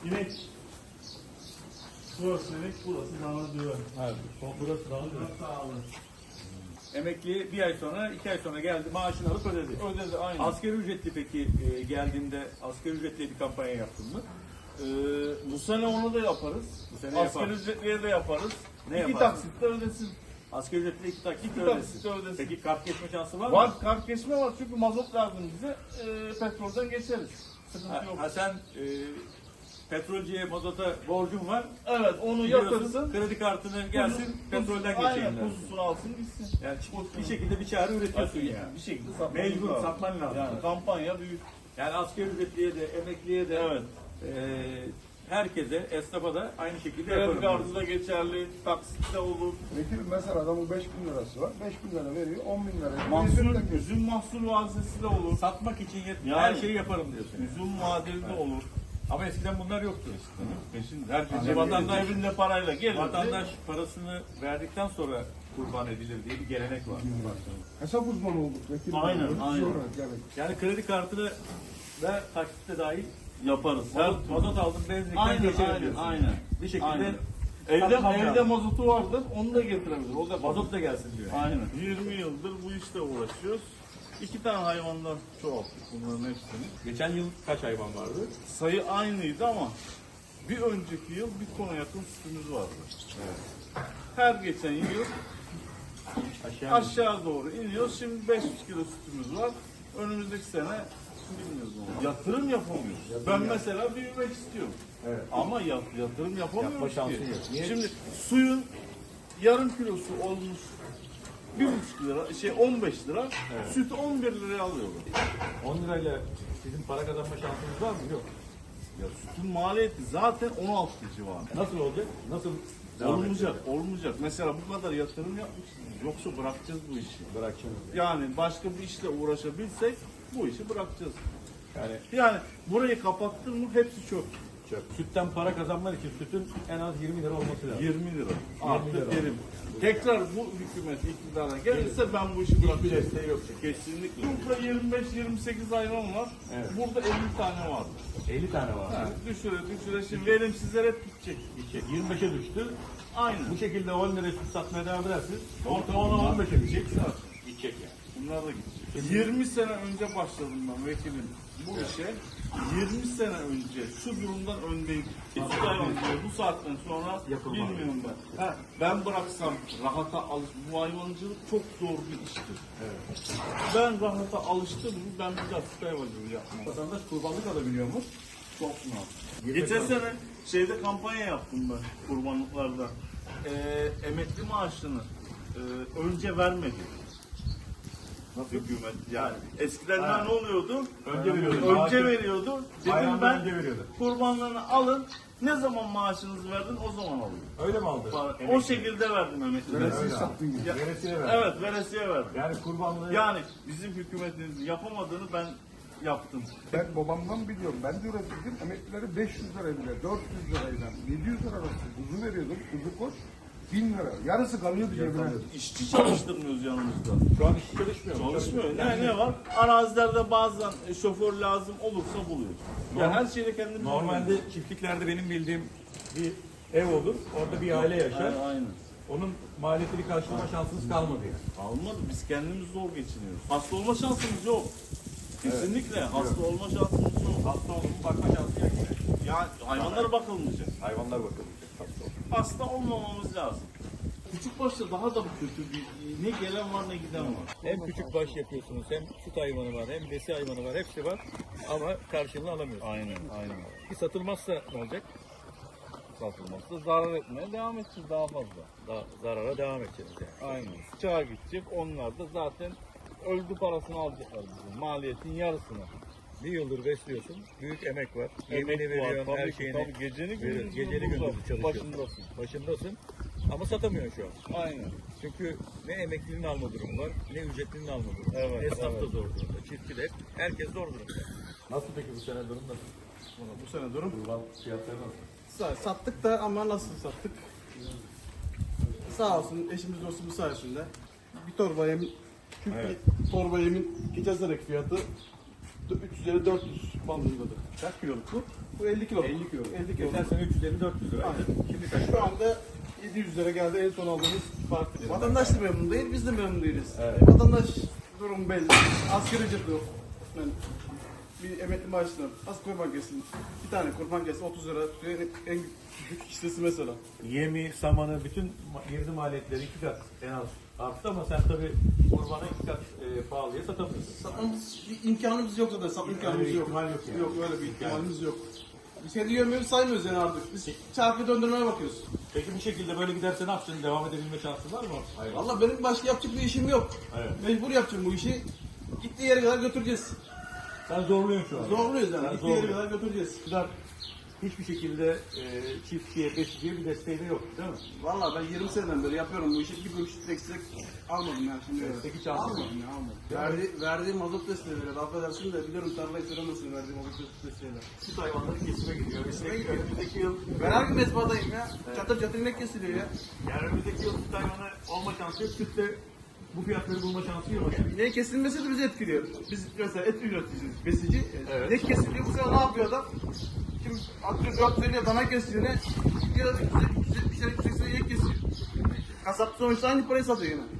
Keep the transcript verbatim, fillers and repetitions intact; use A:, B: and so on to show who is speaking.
A: İnek. Burası inek, burası dana düve.
B: Evet. Burası daha güzel.
A: Burası sağlı.
C: Emekli bir ay sonra, iki ay sonra geldi, maaşını alıp ödedi.
A: Ödedi aynı.
C: Asgari ücretli peki e, geldiğinde asgari ücretli bir kampanya yaptın mı?
A: Ee, bu sene onu da yaparız.
C: Bu sene
A: Asgari
C: yaparız.
A: ücretliye de yaparız.
C: Ne
A: İki
C: yaparsın?
A: taksitle ödesin.
C: Asgari ücretli iki taksit
A: İki
C: ödesin.
A: taksitle ödesin.
C: Peki kart geçme şansı var mı?
A: Var, kart geçme var çünkü mazot lazım bize. Ee, petrolden geçeriz. Sıkıntı
C: Ha,
A: yok.
C: ha sen e, petrolcüye, mazota borcun var.
A: Evet, onu
C: Gidiyorsun,
A: yatırsın.
C: kredi kartını gelsin, petrolden
A: Aynen,
C: geçeyim dersin.
A: kuzusunu alsın gitsin.
C: Yani bir şekilde bir çare üretiyorsun
A: Bir-
C: yani.
A: Bir şekilde satmamız
C: Mecbur,
A: lazım.
C: satman lazım.
A: Yani kampanya büyük.
C: Yani asgari ücretliye de, emekliye de,
A: Evet.
C: e, herkese, esnafa da aynı şekilde
A: Kredi
C: yaparım.
A: kartı da geçerli, taksitte olur.
D: Vekilim mesela adamın beş bin lirası var. beş bin lira veriyor, on bin lira.
A: Mahsul, üzüm mahsul vadesi de olur.
C: Satmak için yet-
A: Yani-
C: her şeyi yaparım diyorsun.
A: Üzüm vadeli de olur.
C: Ama eskiden bunlar yoktu.
A: Peşin herkes
C: Hani vatandaş-
A: evinde parayla gelir.
C: Vatandaş parasını verdikten sonra kurban edilir diye bir gelenek var.
D: Hesap uzmanı olduk vekilim.
A: Aynen,
D: Yönetici
A: aynen.
D: olarak yani.
C: Yani kredi kartını ve taksitte dahil
A: yaparız. Her
C: mazot, mazot aldım benzinden
A: Aynen,
C: geçerim
A: aynen,
C: diyorsun.
A: aynen.
C: Bir şekilde
A: Aynen. Evde,
C: satmam
A: evde
C: lazım.
A: mazotu vardır, onu da getirebilir. O da
C: Mazot da gelsin diyor.
A: Aynen. yirmi yıldır bu işle uğraşıyoruz. İki tane hayvandan çoğalttık bunların hepsini.
C: Geçen yıl kaç hayvan vardı?
A: Sayı aynıydı ama bir önceki yıl bir tona yakın sütümüz vardı. Her geçen yıl
C: Aşağı.
A: aşağı doğru iniyoruz. Şimdi beş yüz kilo sütümüz var. Önümüzdeki sene bilmiyoruz onu. Yatırım yapamıyoruz. Ben mesela büyümek istiyorum.
C: Evet.
A: Ama yat, yatırım yapamıyoruz
C: Yapma
A: ki.
C: şansın yok. Niye?
A: Şimdi suyun yarım kilosu olmuş bir buçuk lira, şey on beş lira, sütü on bir liraya alıyorlar.
C: on lirayla sizin para kazanma şansınız var mı? Yok.
A: Ya sütün maliyeti zaten on altı civarında.
C: Nasıl olacak? Nasıl devam
A: Olmayacak,
C: edecek?
A: olmayacak. Mesela bu kadar yatırım yapmışsınız. Yoksa bırakacağız bu işi.
C: Bırakacağım.
A: Yani başka bir işle uğraşabilsek bu işi bırakacağız.
C: Yani
A: Yani burayı kapattın mı hepsi çöp.
C: çöp. Sütten para kazanmak için sütün en az yirmi lira olması lazım.
A: yirmi lira. Artı
C: lira.
A: verim. Tekrar bu hükümet iktidara gelirse ben bu işi
C: Hiçbir
A: bırakacağım.
C: desteği yok.
A: Kesinlikle. Burada yirmi beş yirmi sekiz hayvan var.
C: Evet.
A: Burada elli tane vardı.
C: elli tane var.
A: Ha, düşüre düşüre şimdi verimsizler hep gidecek.
C: Gidecek. yirmi beşe düştü.
A: Aynen.
C: Bu şekilde on liraya süt satmaya devam edersiniz. Orta ona on beşe gidecek. Gidecek yani.
A: Bunlar da gidecek. yirmi sene önce başladım ben vekilim bu işe. yirmi sene önce şu durumdan öndeydim. Süt hayvancılığı bu saatten sonra
C: Yapılmaz.
A: bilmiyorum ben. Ha, ben bıraksam rahata alış, bu hayvancılık çok zor bir iştir.
C: Evet.
A: Ben rahata alıştım mı ben bir daha süt hayvancılığı yapmam.
C: Vatandaş kurbanlık alabiliyor mu?
A: Çok mu? Geçen sene şeyde kampanya yaptım ben kurbanlıklarda. Ee, emekli maaşını e, önce vermedi.
C: Nasıl?
A: Hükümet yani. Eskiden
C: Ha.
A: ne oluyordu?
C: Önce veriyordu.
A: Önce
C: Maaşı-
A: veriyordu. Dedim
C: Bayramdan
A: ben
C: önce veriyordu.
A: kurbanlarını alın. Ne zaman maaşınızı verdin o zaman alın.
C: Öyle mi aldı?
A: O şekilde verdim emeklilere.
D: Veresiye
C: Öyle
D: sattın gibi.
A: Ya-
C: Veresiye verdi.
A: Evet veresiye verdim.
C: Yani kurbanlığı
A: Yani bizim hükümetimizin yapamadığını ben yaptım.
D: Ben babamdan biliyorum. Ben de üretirdim. Emeklileri beş yüz lira bile, dört yüz lirayla, yedi yüz lira arası kuzu veriyordum. Kuzu koç bin lira. Yarısı kalıyordu cebine.
A: İşçi çalıştırmıyoruz yanımızda.
C: şu an hiç çalışmıyor mu?
A: Çalışmıyor. Ne, ne var? Arazilerde bazen e, şoför lazım olursa buluyoruz. Ya her şeyde kendimiz
C: Normalde çiftliklerde benim bildiğim bir ev olur. Orada bir aile yaşar.
A: Aynen, aynen.
C: Onun maliyetini karşılama şansınız kalmadı yani.
A: Almadı. Biz kendimiz zor geçiniyoruz. Hasta olma şansımız yok. Kesinlikle hasta olma şansımız yok.
C: Hasta olun bakma şansı yok. yani.
A: Ya hayvanlara bakılmayacak.
C: Hayvanlar bakılmayacak hasta olun.
A: Hasta olmamamız lazım. Küçük başta daha da kötü bir ne gelen var ne giden var.
B: Hem küçük baş yapıyorsunuz, hem süt hayvanı var, hem besi hayvanı var, hepsi var. Ama karşılığını alamıyorsunuz.
A: Aynen, aynen.
B: Bir satılmazsa ne olacak?
A: Satılmazsa zarar etmeye devam edeceğiz daha fazla.
B: Daha zarara devam edeceğiz yani.
A: Aynen. Sıçağa gidecek. Onlar da zaten öldü parasını alacaklar bizim. Maliyetin yarısını.
B: Bir yıldır besliyorsun, büyük emek var.
A: Emek
B: Yemini
A: var,
B: veriyorsun,
A: tabii
B: her
A: ki,
B: şeyini
A: tabii. Geceni
B: veriyorsun.
A: gündüzünü
B: Geceli
A: burada,
B: gündüzü çalışıyorsun.
A: başındasın.
B: Başındasın. Ama satamıyorsun şu an.
A: Aynen.
B: Çünkü ne emeklinin alma durumu var, ne ücretlinin alma durumu var.
A: Evet,
B: Esnaf da
A: evet.
B: zor durumda, çiftçi de hep, herkes zor durumda.
C: Nasıl peki bu sene durum nasıl?
A: Bu sene durum.
C: Kurban fiyatları nasıl?
E: Sa- Sattık da ama nasıl sattık? Sağ olsun eşimiz dostumuz sayesinde bir torba yemin, küçük bir torba yemin geçen seneki fiyatı üç yüz lira dört yüz bandındadır.
C: Kaç kiloluk bu?
E: Bu elli kilo.
C: elli kilo.
E: elli kilo.
B: Geçen sene üç yüz elli dört yüz lira.
E: Aynen.
B: Şimdi kaç?
E: Şu anda yedi yüz lira geldi en son aldığımız parti. Vatandaş da memnun değil, biz de memnun değiliz.
C: Evet.
E: E, vatandaş durum belli. Asgari ücret yok. Yani bir emekli maaşına az kurban kessin. Bir tane kurban kessin otuz lira tutuyor. En, en küçük kişisi mesela.
C: Yemi, samanı, bütün ma- girdi maliyetleri iki kat en az arttı ama sen tabii kurbanı iki kat e, pahalıya satamıyorsun.
E: Satmamız bir imkanımız yok zaten. Satma imkanımız
C: Öyle bir
E: yok.
C: ihtimal yok yani.
E: Yok öyle bir ihtimalimiz yok. Biz kendi yövmemizi saymıyoruz yani artık. Biz çarkı döndürmeye bakıyoruz.
C: Peki bu şekilde böyle giderse ne yapacaksın? Devam edebilme şansın var mı? Hayır.
E: Valla benim başka yapacak bir işim yok.
C: Evet.
E: Mecbur yapacağım bu işi. Gittiği yere kadar götüreceğiz.
C: Sen zorluyorsun şu an.
E: Zorluyuz yani.
C: Sen
E: Gittiği yere
C: zorluyorsun.
E: kadar götüreceğiz.
C: İktidar hiçbir şekilde e, çiftçiye, besiciye bir desteği de yok değil mi?
E: Valla ben yirmi seneden beri yapıyorum bu işi. Bir kuruş destek almadım yani şimdi.
C: Destek hiç almadın.
E: Almadım ya almadım. Verdi, verdiğim mazot desteğiyle affedersin de biliyorum tarlayı söylemesin verdiğim mazot desteğiyle.
C: Süt hayvanları kesime gidiyor. Kesime gidiyor. Önümüzdeki yıl,
E: Ben her gün mezbadayım ya. Çatır çatır inek kesiliyor ya.
C: yani önümüzdeki yıl süt hayvanı olma şansı yok. Sütte bu fiyatları bulma şansı yok.
E: İneğin kesilmesi de bizi etkiliyor. Biz mesela et üreticiyiz, besici.
C: Evet.
E: İnek kesiliyor, bu sefer ne yapıyor adam? Şimdi atıyor dört yüz elli dana kesiyor ne? Gidiyor yüz yetmiş lira, yüz seksen inek kesiyor. Kasap sonuçta aynı parayı satıyor yine.